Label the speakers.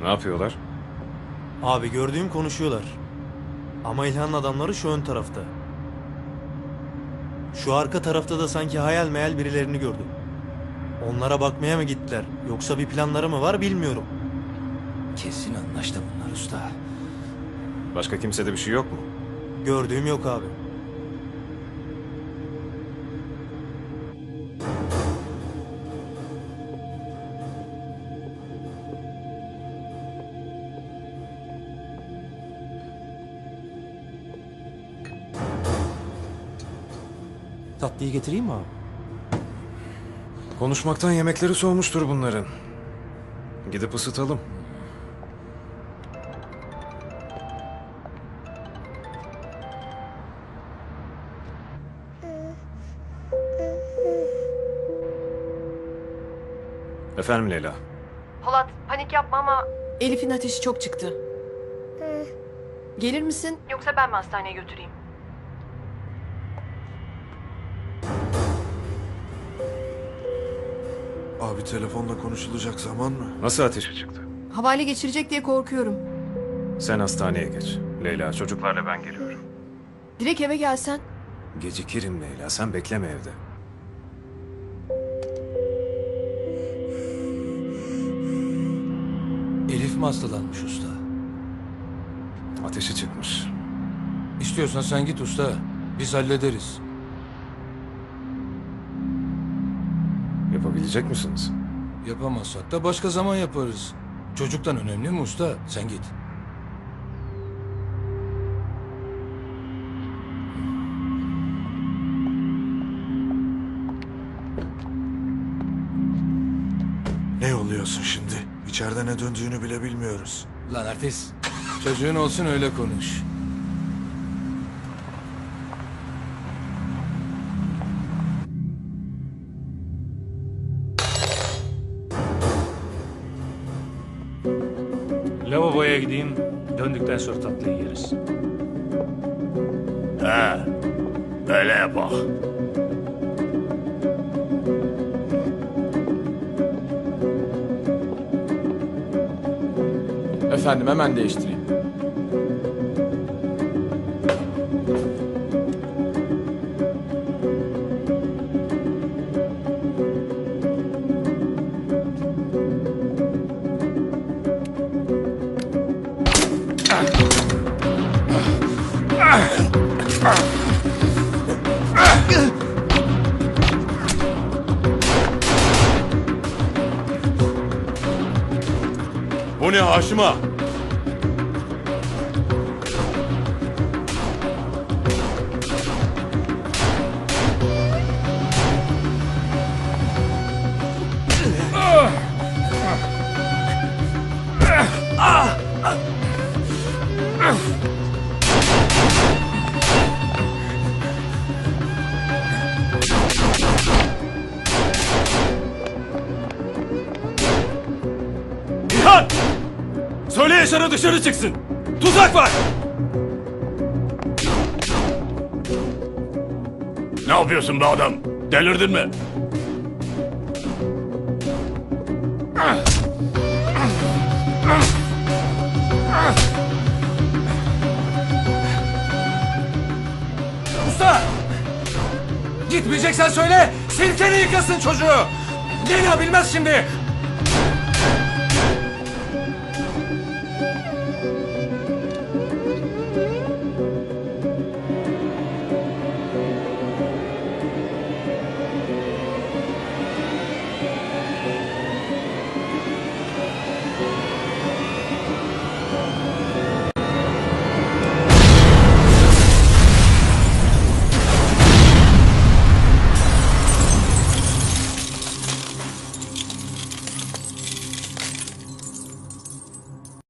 Speaker 1: Ne yapıyorlar?
Speaker 2: Abi gördüğüm konuşuyorlar. Ama İlhan'ın adamları şu ön tarafta. Şu arka tarafta da sanki hayal meyal birilerini gördüm. Onlara bakmaya mı gittiler yoksa bir planları mı var bilmiyorum.
Speaker 3: Kesin anlaştı bunlar usta.
Speaker 1: Başka kimsede bir şey yok mu?
Speaker 2: Gördüğüm yok abi. Tatlıyı getireyim mi abi?
Speaker 1: Konuşmaktan yemekleri soğumuştur bunların. Gidip ısıtalım. Efendim Leyla.
Speaker 4: Polat, panik yapma ama
Speaker 5: Elif'in ateşi çok çıktı. Gelir misin?
Speaker 4: yoksa ben mi hastaneye götüreyim?
Speaker 6: Abi telefonla konuşulacak zaman mı?
Speaker 1: Nasıl ateşi çıktı?
Speaker 5: Havale geçirecek diye korkuyorum.
Speaker 1: Sen hastaneye geç. Leyla, çocuklarla ben geliyorum.
Speaker 5: Direkt eve gelsen.
Speaker 1: Gecikirim Leyla, sen bekleme evde.
Speaker 3: Elif mi hastalanmış usta?
Speaker 1: Ateşi çıkmış.
Speaker 3: İstiyorsan sen git usta. Biz hallederiz.
Speaker 1: Yapabilecek misiniz?
Speaker 3: Yapamazsak da başka zaman yaparız. Çocuktan önemli mi usta? Sen git.
Speaker 6: Ne yolluyorsun şimdi? İçeride ne döndüğünü bile bilmiyoruz.
Speaker 3: Lan artist. Çocuğun olsun öyle konuş.
Speaker 7: Lavaboya gideyim. Döndükten sonra tatlıyı yeriz.
Speaker 8: He, öyle yapak.
Speaker 9: Efendim hemen değiştireyim.
Speaker 8: Bu ne Haşim ağa? İlhan! Söyle Yaşar'a dışarı çıksın. Tuzak var. Ne yapıyorsun be adam? Delirdin mi?
Speaker 3: Usta! Gitmeyeceksen söyle. Silkeni yıkasın çocuğu. Leyla bilmez şimdi.